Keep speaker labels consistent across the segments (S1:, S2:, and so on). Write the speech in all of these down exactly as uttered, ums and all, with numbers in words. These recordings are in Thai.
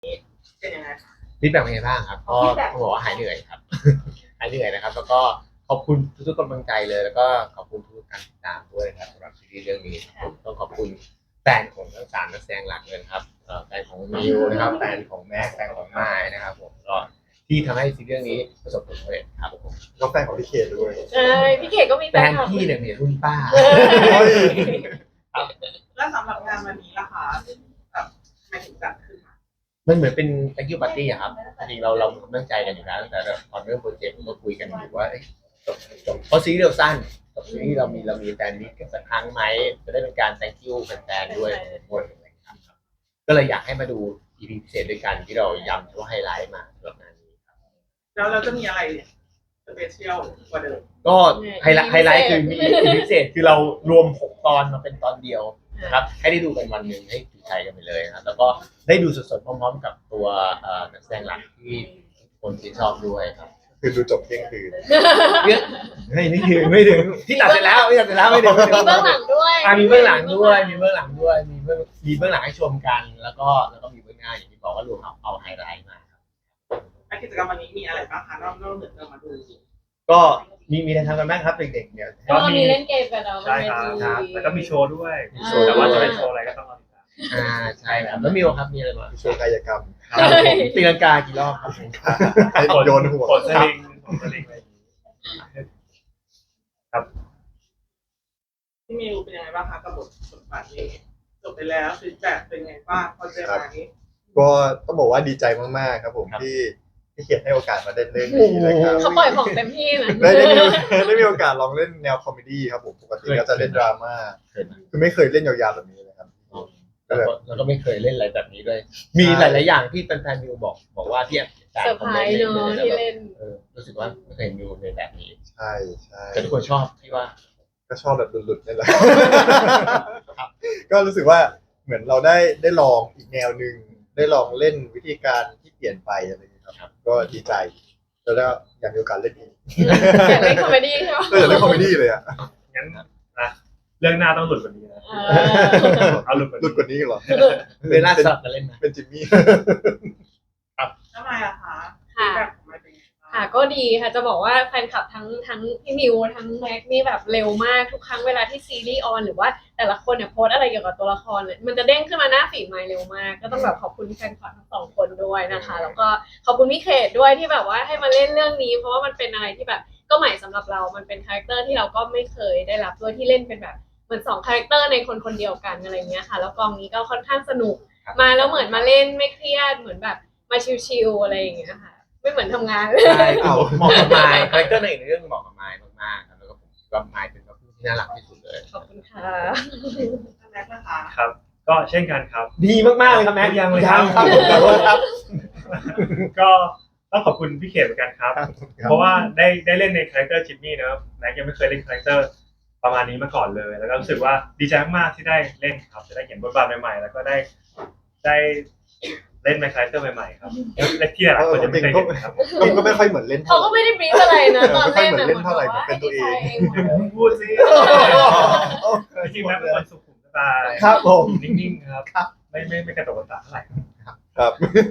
S1: เป็นยังไงคะ
S2: ฟีดแบ็กเป็นไงบ้างครับก็ต้องบอกว่าหายเหนื่อยครับ หายเหนื่อยนะครับแล้วก็ขอบคุณทุกๆกำลังใจเลยแล้วก็ขอบคุณทุกการติดตามด้วยนะครับสำหรับซีรีส์เรื่องนี้ครับผมต้องขอบคุณแฟนของทั้งสามนักแสดงหลักเลยครับแฟนของมิวนะครับแฟนของแม็กแฟนของไม้นะครับผมก็ที่ทำให้ซีรีส์เรื่องนี้ประสบผลสำเร็จครับผม
S3: ก็แฟนของพี่เขตด้วย
S4: เออพี่เขตก็มีแฟ
S2: แฟ
S4: น
S2: น
S4: คลับ
S2: พี่เนี่ยเนี่ยรุ่นป้า
S1: แล้วสำหรับงานวันนี้ล่ะคะแบบทำไมถึงจัดขึ้นมา
S2: มันเหมือนเป็น thank you party อะครับจริงๆเราเราตั้งใจกันอยู่แล้วตั้งแต่ตอนเริ่มโปรเจกต์ก็คุยกันอยู่ว่าจบจบเพราะซีรีส์เราสั้นจบซีรีส์เรามีเรามีแฟนมิตกันสักครั้งไหมจะได้เป็นการ thank you แฟนๆด้วยทุกคนอะไรอย่างเงี้ยครับก็เลยอยากให้มาดู อี พี พิเศษด้วยกันที่เราย้ำว่าไฮไลท์มาสำหรับงานนี้ครับ
S1: แล้วเราจะมีอะไรสเปเชียลกว่าเดิม
S2: ก็ไฮไลท์ไฮไลท์คือมี อี พี พิเศษคือเรารวมหกตอนมาเป็นตอนเดียวนะครับให้ได้ดูกันวันหนึ่งให้ถูกใจกันไปเลยนะครับแล้วก็ได้ดูสดๆพร้อมๆกับตัวนักแสดงหลักที่คนที่ชอบด้วยครับ
S3: คือดูจบเที่ยงคืน
S2: เยอะไม่ไม่ถึงไม่ถึงที่ตัดเสร็จแล้วที่ตัดเสร็จแล้วไม่ถึง
S4: มีเบื้องหลังด้วย
S2: อ่ะมีเบื้องหลังด้วยมีเบื้องหลังด้วยมีเบื้องมีเบื้องหลังให้ชมกัน แล้วก็แล้วก็มีเบื้องหน้าอย่างที่บอกว่ารวมเอาเอาไฮไลท์มาครับ
S1: และกิจกรรมวันนี้มีอะไรบ้างคะนอกนอกเหนือจากมาดู
S2: ก็มีมีอะไรทำกันบ้างครับเด็กๆเนี่ย
S4: ก็มีเล่นเกมกันเนาะ
S5: ใช่ครับ
S4: บนเวที
S5: ครับแล้วก็มีโชว์ด้วย
S4: มีโชว์
S5: แต่ว่าจะเป็นโชว์อะไรก็ต้องรอติดตาม
S2: อ่าใช่ครับแล้วมิวครับมีอะไรบ้าง
S3: โชว์กายกรรม
S2: ครับผมตีลังกากี่รอบครับผม
S3: ให้โยนหัว
S5: กดสลิงกดสลิงอะไรอย่างงี้
S1: ที่มิวเป็นยังไงบ้างคะกับบทบทบาทนี้จบไปแล้วฟีดแบ็กเป็นไงบ้างพอเจอมานี้
S3: ก็ต้องบอกว่าดีใจมากๆครับผมที่ที่เขียนให้โอกาสมาเล่นเรื่องนี้นะครับ
S4: เขาปล่อยของเต็มที่นะ
S3: ได้ได้มีได้มีโอกาสลองเล่นแนวคอมเมดี้ครับผมปกติก็จะเล่นดราม่า
S2: เคยไหม
S3: คือไม่เคยเล่นยาวๆแบบนี้เลยครับก็
S2: แล้ว
S3: แบบ
S2: ก็แล้วก็ไม่เคยเล่นอะไรแบบนี้ด้วย มีหลายๆอย่างที่แฟนๆมิวบอกบอกว่าที่อ่าน
S4: เซอร์
S2: คอ
S4: ไพ
S2: ม
S4: ร
S2: เมนต์
S4: ส์เนาะ
S2: เนี่ย
S4: ที่
S2: แล้วแบบ
S4: เล่น
S2: เออรู้สึกว่าไม่เคยเห็นมิวในแบบนี้
S3: ใช่ใช่
S2: แต่ทุกคนชอบที่ว่า
S3: ก็ชอบแบบหลุดๆนี่แหละ ก็รู้สึกว่าเหมือนเราได้ได้ลองอีกแนวหนึ่งได้ลองเล่นวิธีการที่เปลี่ยนไปอะไรอย่างเงี้ยครับก็ดีใจแล้วก็อยากมีโอกาสเล่นอีก
S4: อยากเล่นคอมเมดี้ใช่ไหม
S3: ก็อยากเล่นคอมเมดี้เลยอ่ะ
S5: งั้นนะเรื่องหน้าต้องหลุดกว่านี้นะ
S4: เออ
S5: เอาหลุดกว่า
S3: หลุดกว่านี้เหรอ
S2: เวลาสลับกันเล่นนะ
S3: เป็นจิมมี่
S1: ทำไมอะคะฟี
S4: ค่ะ
S1: ดแบ็กของมันเป็นยังไงบ้าง
S4: ค่ะก็ดีค่ะจะบอกว่าแฟนคลับทั้งทั้งพี่มิวทั้งแม็กนี่แบบเร็วมากทุกครั้งเวลาที่ซีรีส์ออนหรือว่าแต่ละคนเนี่ยโพสต์อะไรเกี่ยวกับตัวละครเลยมันจะเด้งขึ้นมาหน้าฟีดไมล์เร็วมาก ก็ต้องแบบขอบคุณแฟนคลับทั้งสองคนด้วยนะคะ แล้วก็ขอบคุณพี่เขตด้วยที่แบบว่าให้มาเล่นเรื่องนี้ เพราะว่ามันเป็นอะไรที่แบบก็ใหม่สำหรับเรามันเป็นคาแรคเตอร์ที่เราก็ไม่เคยได้รับด้วยที่เล่นเป็นแบบเหมือนสองคาแรคเตอร์ในคนคนเดียวกันอะไรเงี้ยค่ะแล้วกองนี้ก็ค่อนข้างสนุกมาแล้วเหมือนมาเล่นไม่เครียดเหมือนแบบมาชิลๆอะไรอย่างเงี้ยค่ะไม่เหมือนทำงาน
S2: ใช่เหมาะกับไมค์คาแรคเตอร์ในเรื่องเหมาะกับไมค์มากๆครับแล้วก็ผมคิดว่าไมค์เป็นตัวที่น่ารักที่สุดเลย
S4: ขอบคุณค่ะ
S1: ท่านแม็กซ์นะคะ
S5: ครับ ก็เช่นกันครับ
S2: ดีมากๆเลยครับแม็ก
S5: ยังเลย
S2: ครับ
S5: ครับ
S2: ขอโทษครับ
S5: ก็ต้องขอบคุณพี่เขตเหมือนกันครับ เพราะว่าได้ได้เล่นในคาแรคเตอร์จิมมี่นะครับแม็กยังไม่เคยเล่นคาแรคเตอร์ประมาณนี้มาก่อนเลย แล้วก็รู้สึกว่าดีใจมากๆที่ได้เล่นครับจะได้เห็นบทบาทใหม่ๆ แล้วก็ได้ได้เล่นในคาแรคเตอร์ใหม่ๆครับและที่หลายๆคนยังไม่เคยเห็นครับ
S3: ก็ก็ไม่ค่อยเหมือนเล่น
S4: เขาก็ไม่ได้บรีฟอะไรนะตอนเล่น
S3: ไม่ค่อยเหมือนเล่นเท่าไหร่
S4: อะ
S3: เป็นตัวเอง
S5: พูดสิจริงๆแล้วเป็นคนสุขุมสไตล์
S2: ครับผม
S5: นิ่งๆครับไม่ไม่ไม่กระโดดกระตากเท่าไหร่
S3: ครับ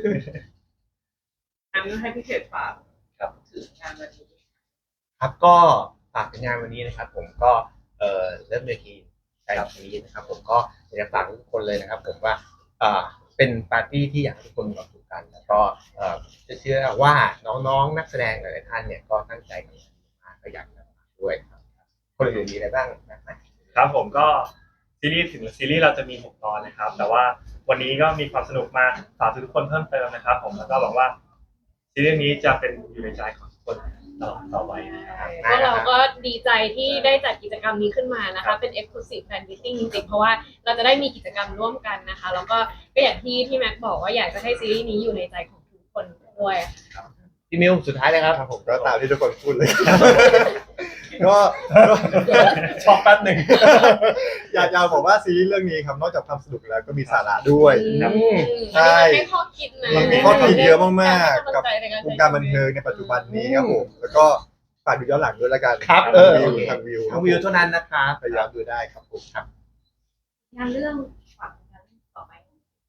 S1: งั้นให้พี่เขตฝาก
S5: ครับ
S1: ถึงงานวันนี้
S2: ครับก็ฝากผลงานวันนี้นะครับ ผมก็เอ่อเริ่มเวทีใช่วันนี้นะครับ ผมก็อยากจะฝากทุกคนเลยนะครับ ผมว่าเอ่อเป็นปาร์ตี้ที่อยากให้ทุกคนมีความสุขกัน แล้วก็เอ่อจะเชื่อว่าน้องๆนักแสดงหลายๆท่านเนี่ยก็ตั้งใจกันมากก็อยากจะฝากด้วยครับคนอื่นมีอะไรบ้างนะครับ
S5: ครับผมก็ซีรีส์ถึงซีรีส์เราจะมีหกตอนนะครับ แต่ว่าวันนี้ก็มีความสนุกมาฝากทุกคนเพิ่มเติมนะครับ ผมแล้วก็หวังว่าซีรีส์นี้จะเป็นอยู่ในใจของทุกคนตลอดต่อไปนะครับ
S4: พวกเราก็ดีใจที่ได้จัดกิจกรรมนี้ขึ้นมานะคะเป็น Exclusive Fan Meeting จริงๆเพราะว่าเราจะได้มีกิจกรรมร่วมกันนะคะแล้วก็ก็อย่างที่ที่แม็กบอกว่าอยากจะให้ซีรีส์นี้อยู่ในใจของทุกคนด้วย
S2: พี่มิวสุดท้ายเลยครับ
S3: ครับผมก็ตามที่ทุกคนพูดเลย ก็ก็
S2: ช็อกแป๊บหนึ่ง
S3: อยากอยากบอกว่าซีรีส์เรื่องนี้ครับนอกจากความสนุกแล้วก็มีสาระด้วย
S4: อืม
S3: ใช่
S4: อันนี้มันให้ข้อคิดนะ
S3: มันมีข้อคิดเยอะมากๆ
S4: ให้
S3: กับ
S4: กำลังใจในใช้
S3: วงการบันเทิงในปัจจุบันนี้ครับผมแล้วก็ฝากดูย้อนหลังด้วยละกัน
S2: ครับ
S3: ทาง
S2: เออ
S3: วิ
S2: โอ
S3: ว
S2: เค
S3: ทางวิว
S2: ทางวิวเท่านั้นนะครับ
S3: พยายามดูได้ครับผมครับ
S6: งานเรื่องฝากงานต่อไป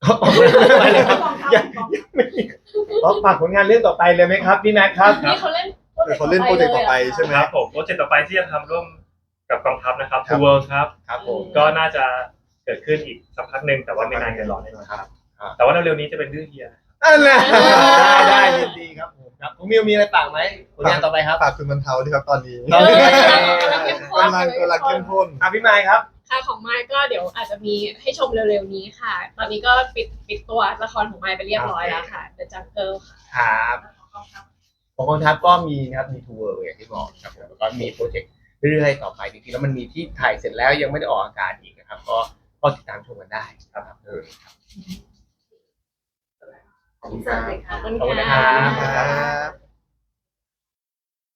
S2: ออกมาไม่เลยครับยังยังไม่มีอ๋อฝากผลงานเรื่องต่อไปเลยไหมครับพี่แม็กครับ
S4: นี่เขาเล่น
S3: เดี๋ยวเขาเล่นโปรเจกต์ต่อไปใช่ไหม
S5: ครับผมโปรเจกต์ต่อไปที่จะทำร่วมกับกองทัพนะครับ
S3: ครับ
S5: ทูเวิร์ครับ
S2: ครับผม
S5: ก็น่าจะเกิดขึ้นอีกสักพักหนึ่งแต่ว่าไม่นานเกินรอแน่นอนครับ แต่ว่าเร็วๆนี้จะเป็นเรื่องเฮีย
S2: อันนั้นได้ได้ยินดีครับผมครับคุณมิวมีอะไรฝากไหมผลงานต่อไปครับ
S3: ฝากคุณบรรเทาด้วยครับตอนนี้
S2: เออ
S3: กำลังกำลังเข้มข้น
S2: อ่ะพี่ไมค์ครับ
S4: ค่ะของไมค์ก็เดี๋ยวอาจจะมีให้ชมเร็วๆนี้ค่ะ ตอนนี้ก็ปิดปิดตัวละครของไมค์ไปเรียบร้อยแล้วค่ะ The Jungle ค่ะ
S2: ครับของกองทัพก็มีนะครับมีทัวร์อย่างที่บอกครับผมแล้วก็มีโปรเจกต์เรื่อยๆต่อไปจริงๆแล้วมันมีที่ถ่ายเสร็จแล้วยังไม่ได้ออกอากาศอีกนะครับ ก็ก็ติดตามชมกันได้ครับเออครับขอบคุณครับ
S4: ขอบคุณ
S2: ขอบคุณนะ
S4: ค่ะ
S2: ครับ
S3: ครับ